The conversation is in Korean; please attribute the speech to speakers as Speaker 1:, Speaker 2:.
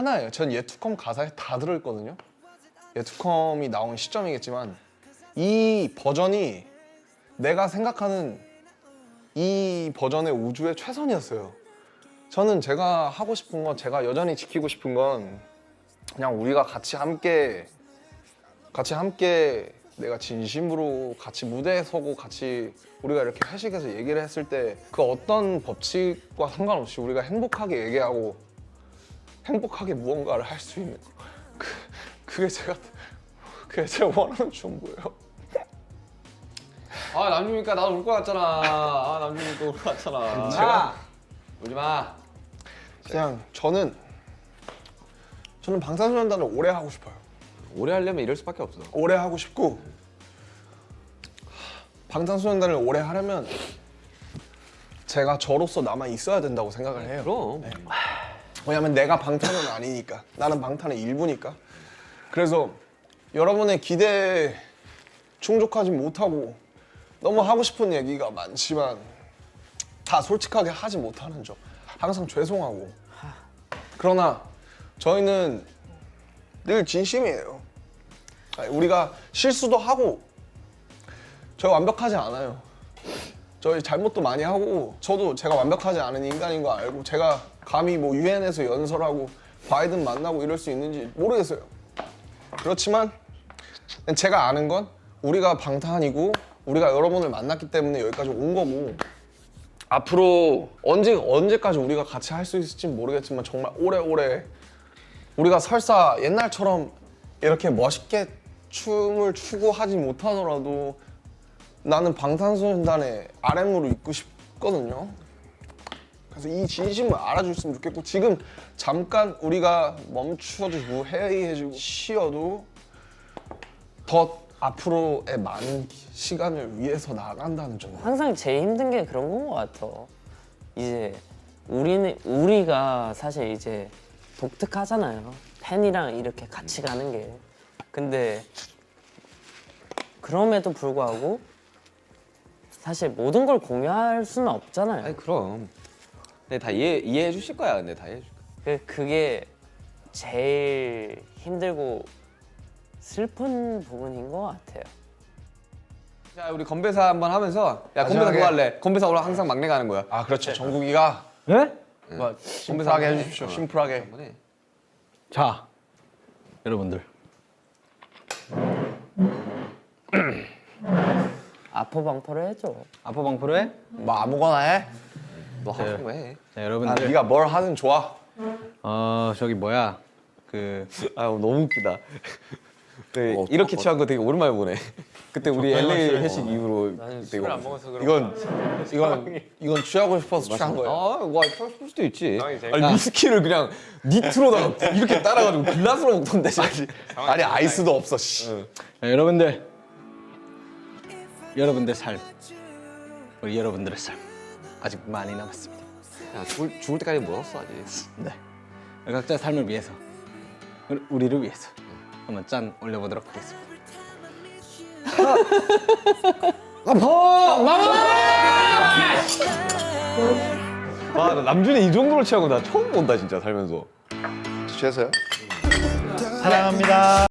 Speaker 1: 하나예요. 전 예투컴 가사에 다 들어있거든요. 예투컴이 나온 시점이겠지만 이 버전이 내가 생각하는 이 버전의 우주의 최선이었어요. 저는 제가 하고 싶은 건, 제가 여전히 지키고 싶은 건 그냥 우리가 같이 함께 내가 진심으로 같이 무대에 서고 같이 우리가 이렇게 회식해서 얘기를 했을 때 그 어떤 법칙과 상관없이 우리가 행복하게 얘기하고 행복하게 무언가를 할 수 있는 그게 제가 원하는 전부예요.
Speaker 2: 아 남준이니까 나도 울 것 같잖아. 아 남준이도 울 것 같잖아.
Speaker 1: 제가
Speaker 2: 울지 마.
Speaker 1: 그냥 저는 방탄소년단을 오래 하고 싶어요.
Speaker 2: 오래 하려면 이럴 수밖에 없어.
Speaker 1: 오래 하고 싶고 방탄소년단을 오래 하려면 제가 저로서 남아 있어야 된다고 생각을 해요.
Speaker 2: 그럼.
Speaker 1: 네. 왜냐면 내가 방탄은 아니니까. 나는 방탄의 일부니까. 그래서 여러분의 기대에 충족하지 못하고 너무 하고 싶은 얘기가 많지만 다 솔직하게 하지 못하는 점 항상 죄송하고. 그러나 저희는 늘 진심이에요. 우리가 실수도 하고 저희 완벽하지 않아요. 저희 잘못도 많이 하고 저도 제가 완벽하지 않은 인간인 거 알고 제가 감히 뭐 유엔에서 연설하고 바이든 만나고 이럴 수 있는지 모르겠어요. 그렇지만 제가 아는 건 우리가 방탄이고 우리가 여러분을 만났기 때문에 여기까지 온 거고 앞으로 언제까지 우리가 같이 할 수 있을지는 모르겠지만 정말 오래오래 우리가 설사 옛날처럼 이렇게 멋있게 춤을 추고 하지 못하더라도 나는 방탄소년단의 RM으로 있고 싶거든요. 그래서 이 진심을 알아줬으면 좋겠고 지금 잠깐 우리가 멈춰주고 회의해주고 쉬어도 더 앞으로의 많은 시간을 위해서 나간다는 점.
Speaker 3: 항상 제일 힘든 게 그런 건 것 같아. 이제 우리가 사실 이제 독특하잖아요. 팬이랑 이렇게 같이 가는 게. 근데 그럼에도 불구하고 사실 모든 걸 공유할 수는 없잖아요.
Speaker 2: 아니 그럼. 근데 다 이해해 주실 거야. 근데 다 이해해 줄 거야.
Speaker 3: 그게 제일 힘들고 슬픈 부분인 것 같아요.
Speaker 2: 자 우리 건배사 한번 하면서 야 건배사
Speaker 1: 마지막에.
Speaker 2: 뭐 할래? 건배사 오늘 항상 막내 가는 거야.
Speaker 1: 아 그렇죠. 정국이가
Speaker 4: 네?
Speaker 1: 뭐 심플하게 해주십시오. 심플하게.
Speaker 2: 한번 해.
Speaker 4: 자, 여러분들.
Speaker 3: 아포방포를 해줘.
Speaker 4: 아포방포로에
Speaker 1: 뭐 아무거나 해.
Speaker 2: 너 하는 거 해.
Speaker 4: 자,
Speaker 1: 아,
Speaker 4: 여러분들.
Speaker 1: 네가 뭘 하든 좋아.
Speaker 4: 저기 뭐야? 그
Speaker 2: 아 너무 웃기다. 네, 이렇게 취한 거 되게 오랜만에 보네. 그때 우리 LA 회식 이후로 되게
Speaker 3: 안 먹어서
Speaker 1: 이건 취하고 싶어서 취한 거예요.
Speaker 2: 와 취할 수도 있지. 아니 위스키를 그냥 니트로다가 이렇게 따라가지고 글라스로 먹던데.
Speaker 1: 아니 아이스도 없어. 씨.
Speaker 4: 자, 여러분들. 여러분들 삶. 우리 여러분들의 삶. 아직 많이 남았습니다.
Speaker 2: 야 죽을 때까지 멀었어 아직.
Speaker 4: 네. 각자 삶을 위해서. 우리를 위해서. 한번 짠 올려보도록 하겠습니다.
Speaker 2: 아, 나 남준이 이 정도로 취하고 나 처음 본다 진짜 살면서.
Speaker 1: 취해서요?
Speaker 4: 사랑합니다.